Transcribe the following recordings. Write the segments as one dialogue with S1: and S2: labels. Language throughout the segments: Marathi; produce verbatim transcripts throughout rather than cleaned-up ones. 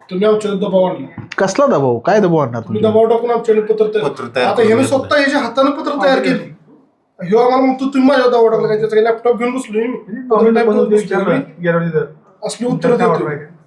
S1: तुम्ही आमच्यावर दबाव आणला.
S2: कसला दबाव? काय दबाव आणणार
S1: तुम्ही
S2: तुम्ही?
S1: दबाव टाकून आमच्याकडे पत्र तयार. आता ह्याने स्वतः ह्याच्या हाताने पत्र तयार केली. ह्यो आम्हाला म्हणतो तुम्ही माझ्या दबाव टाकला काय? त्याचा लॅपटॉप घेऊन बसलो मी. असली उत्तर देतो.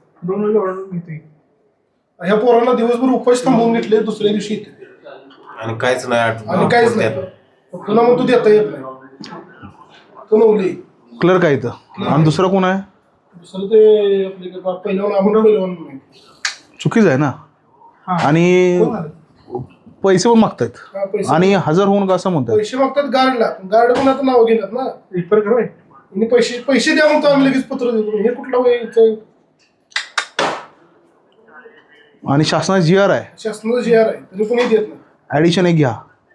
S1: ह्या पोरांना दिवसभर उपास थांबवून घेतले, दुसऱ्या दिवशी येते
S3: आणि काहीच नाही.
S1: आणि काहीच नाही. तुला मग तू देता येत नाही. तो नवली
S2: क्लर्क आहे इथं. आणि दुसरा कोण आहे?
S1: दुसरं ते आपले पहिल्यावर आपण पहिल्यावर
S2: चुकीच आहे ना. आणि पैसे पण मागतायत आणि हजर होऊन का असं म्हणतात.
S1: पैसे मागतात गार्डला. गार्ड पण आता नाव घेतात ना. पैसे पैसे द्या म्हणतो आम्ही, लगेच पत्र देतो. हे कुठला वय?
S2: आणि शासनाचा जी आर आहे,
S1: शासनाचा जी आर आहे, तरी पण हे देत नाही.
S2: ऍडिशन एक घ्या.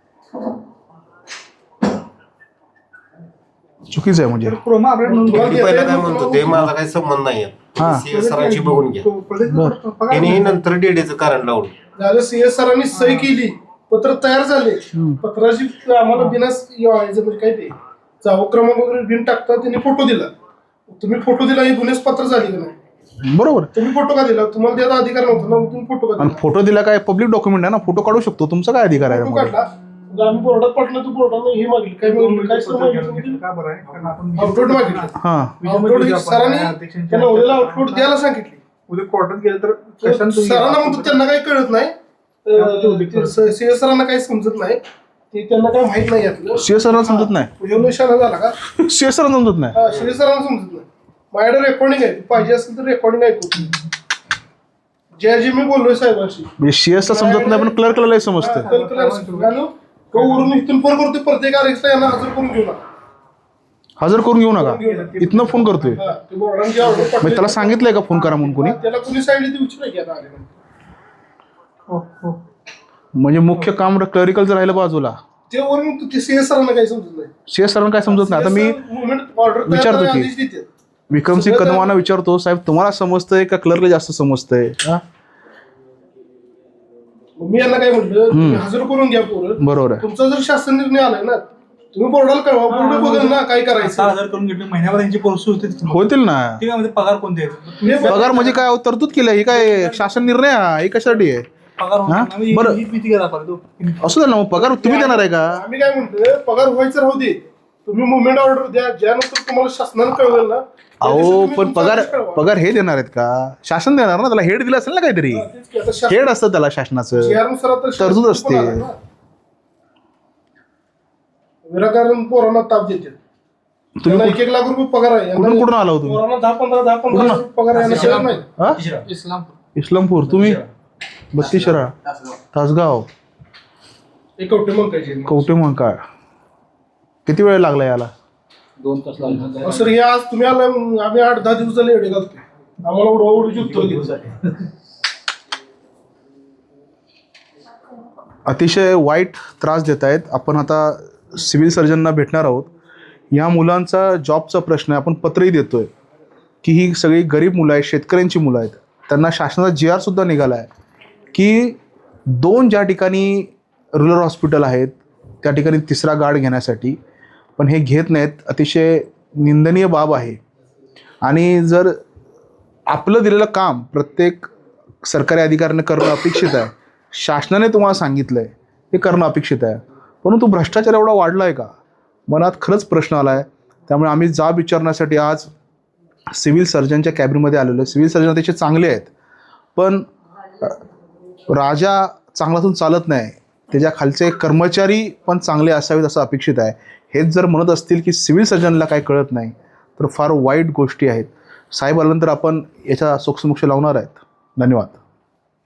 S2: चुकीचं आहे म्हणजे.
S3: पहिला काय म्हणतो ते माझा काही संबंध नाही. सीएस सरांची बघून घ्या. त्यांनी नंतर डीडीचं कारण लावलं.
S1: झालं सीएस सरांनी सही केली, पत्र तयार झाले. पत्राची आम्हाला बिना म्हणजे काय ते जावं क्रमांक वगैरे बिन टाकता त्यांनी फोटो दिला. तुम्ही फोटो दिला, ही गुन्हेच पत्र झाली का नाही?
S2: बरोबर.
S1: तुम्ही फोटो का दिला? तुम्हाला त्याचा अधिकार नव्हता ना, तुम्ही फोटो का दिला?
S2: फोटो दिला काय पब्लिक डॉक्युमेंट आहे ना, फोटो काढू शकतो. तुमचा काय अधिकार आहे?
S1: फोटो काढला, आम्ही बोर्डात पाठवलं, तू बोर्डानं हे मागितलं काय मागितलं काय सर मागितलं? आउटलोड मागितलं.
S2: हा,
S1: आउटलोड सरांनी त्यांना ओलेला आउटलोड द्यायला सांगितली.
S4: उद्या कोर्टात गेलं तर
S1: सरांना म्हणतो त्यांना काही कळत नाही. सीएस सरांना काही समजत नाही. ते त्यांना काही माहित नाही यातलं.
S2: सीएस सरांना समजत नाही.
S1: एवढं शाळा झाला का?
S2: सीएस सरांना समजत नाही.
S1: हा, सीएस सरांना समजत नाही. माझ्याकडे रेकॉर्डिंग आहे, पाहिजे असेल तर रेकॉर्डिंग ऐकू. जे जे मी बोललोय साहेबांशी,
S2: म्हणजे सीएसला समजत नाही पण क्लर्कला लय समजतं.
S1: वरून इथून फोन करतोय प्रत्येक आरेक्सला, यांना हजर करून घेऊ नका.
S2: हजर करून घेऊ नका. इथनं फोन करतोय.
S1: हा, ते बोर्डांची ऑर्डर
S2: मग
S1: पाठवली.
S2: त्याला सांगितलंय का फोन करा म्हणून कोणी?
S1: त्याला कोणी सांगितलं ते विचारायची आता आले.
S2: म्हणजे मुख्य काम क्लरिकलचं राहिलं बाजूला.
S1: ते वरून ते सीएस सरांना काही समजत नाही.
S2: सीएस सरांना काय समजत नाही. आता मी
S1: ऑर्डर
S2: विचारतो की विक्रमसिंग कदमांना विचारतो, साहेब तुम्हाला समजतंय का क्लर्कला जास्त समजतंय?
S1: मी यांना काय म्हटलं, तुम्ही हजर करून घ्या पोरं.
S2: बरोबर आहे.
S1: तुमचा जर शासन निर्णय आलाय ना, तुम्ही बोर्डाला कळवा. बोर्ड बघेल ना काय करायचं.
S4: हजार करून घेतले महिन्यावर त्यांची पोहोचू होते.
S2: होतील ना.
S4: ठीक आहे, पगार कोणते
S2: पगार म्हणजे काय तरतूद केलं? ही काय शासन निर्णय आहे? कशासाठी आहे?
S4: पगार
S2: बरं असू दे ना. मग पगार तुम्ही देणार आहे का?
S1: आम्ही काय म्हणतोय, पगार व्हायचं राहू दे, तुम्ही मुवमेंट ऑर्डर द्या. ज्यानंतर तुम्हाला शासनानं कळवेल ना.
S2: अहो पण पगार पगार हे देणार आहेत का? शासन देणार ना. त्याला हेड दिलं असेल ना काहीतरी. हेड असतं त्याला शासनाचं, तरतूद असते.
S1: विनाकारण पोरांना ताप देते. तुम्ही एक एक लाख रुपये पगार आहे.
S2: कुठून कुठून आला होतो?
S1: पोरांना दहा पंधरा दहा पंधरा लाख रुपये पगार आहे नाही.
S2: इस्लामपूर. तुम्ही बत्तीस शरा तासगाव
S1: एक कवटे मग काय
S2: कवटे मग काय किती वेळ लागला याला?
S5: दोन तास लागले
S1: सर. हे आज तुम्ही आला, आम्ही आठ दहा दिवस झाले एवढे घालतोय. आम्हाला उडवाउडीची उत्तर दिवस आहे.
S2: अतिशय वाईट त्रास देत आहेत. आपण आता सिव्हिल सर्जनना भेटणार आहोत. या मुलांचा जॉबचा प्रश्न आहे. आपण पत्रही देतोय की ही सगळी गरीब मुलं आहेत, शेतकऱ्यांची मुलं आहेत. त्यांना शासनाचा जी आर सुद्धा निघाला आहे की दोन ज्या ठिकाणी रुरल हॉस्पिटल आहेत त्या ठिकाणी तिसरा गार्ड घेण्यासाठी, पण हे घेत नाहीत. अतिशय निंदनीय बाब आहे. आणि जर आपलं दिलेलं काम प्रत्येक सरकारी अधिकाऱ्याने करणं अपेक्षित आहे, शासनाने तुम्हाला सांगितलं आहे ते करणं अपेक्षित आहे, परंतु भ्रष्टाचार एवढा वाढला आहे का? मनात खरंच प्रश्न आला आहे. त्यामुळे आम्ही जाब विचारण्यासाठी आज सिव्हिल सर्जनच्या कॅबिनमध्ये आलेलो आहे. सिव्हिल सर्जन अतिशय चांगले आहेत, पण राजा चांगलातून चालत नाही, त्याच्या खालचे कर्मचारी पण चांगले असावेत असं अपेक्षित आहे. हेच जर म्हणत असतील की सिव्हिल सर्जनला काय कळत नाही तर फार वाईट गोष्टी आहेत. साहेब आल्यानंतर आपण याच्या सोक्षमोक्ष लावणार आहेत. धन्यवाद.